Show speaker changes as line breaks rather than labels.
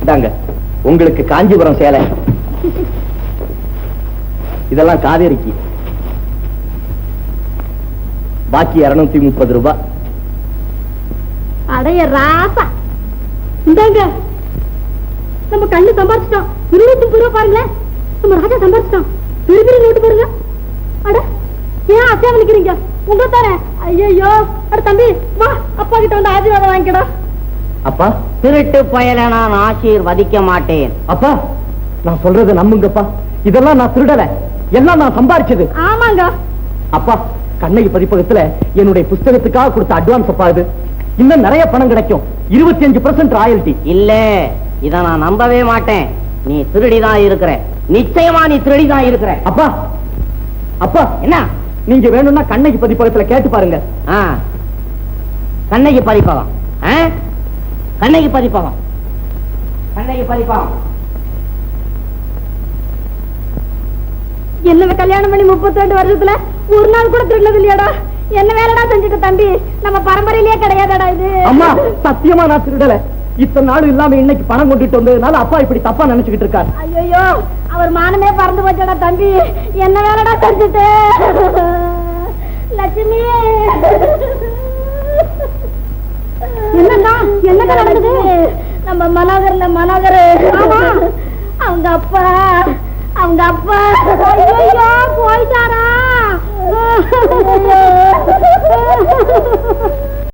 இந்தாங்க உங்களுக்கு காஞ்சிபுரம் சேலை, இதெல்லாம் காவேரிக்கு, பாக்கி 230 ரூபாய்.
அடைய ராசா, இந்தாங்க நம்ம கண்ணு சம்பாரிச்சிட்டோம். 230 ரூபாய் பாருங்களேன், நம்ம ராஜா சம்பாரிச்சிட்டோம். பெரிய பெரிய நோட்டு பாருங்க. அட ஏன் அசையா நிக்கிறீங்க? உங்க தானே. ஐயோ, அட தம்பி வா, அப்பா கிட்ட வந்து ஆசீர்வாதம் வாங்கிக்கடா.
அப்பா,
திருட்டு பயலை நான் ஆசீர்வதிக்க மாட்டேன்.
அப்பா நான் சொல்றதை நம்புங்கப்பா, இதெல்லாம் நான் திருடல, எல்லாம் நான் சம்பாரிச்சது.
ஆமாங்க
அப்பா, கண்ணகி பதிப்பகத்துல என்னுடைய புஸ்தகத்துக்காக கொடுத்த அட்வான்ஸ் அப்பா இது. இன்னும் நிறைய பணம் கிடைக்கும், 25% ராயல்டி.
இல்ல, இத நான் நம்பவே மாட்டேன். நீ திருடிதான் இருக்கிற, நிச்சயமா நீ திருடிதான் இருக்கிற.
அப்பா அப்பா
என்ன?
நீங்க வேணும்னா கண்ணகி பதிப்பகத்துல கேட்டு பாருங்க.
கண்ணகி பதிப்பகம், கண்ணகி பதிப்பகம், கண்ணகி பதிப்பகம்.
என்ன கல்யாணம் பண்ணி 32 வருஷத்துல ஒரு நாள் கூட திருடது இல்லையாடா? என்ன வேலைடா செஞ்சுட்டு தம்பி? நம்ம பரம்பரையிலேயே கிடையாதடா இது.
அம்மா சத்தியமா நான் திருடல. இத்தனை நாள் இல்லாம இன்னைக்கு பணம் கொண்டுட்டு வந்ததுனால அப்பா இப்படி தப்பா நினைச்சுக்கிட்டு இருக்காரு.
ஐயோ, அவர் மானமே பறந்து போச்சடா தம்பி. என்ன வேலைடா செஞ்சுட்டு? லட்சுமி, என்னடா என்னடா நடக்குது? நம்ம மனோகர் அவங்க அப்பா ஐயோ போயிட்டாரா?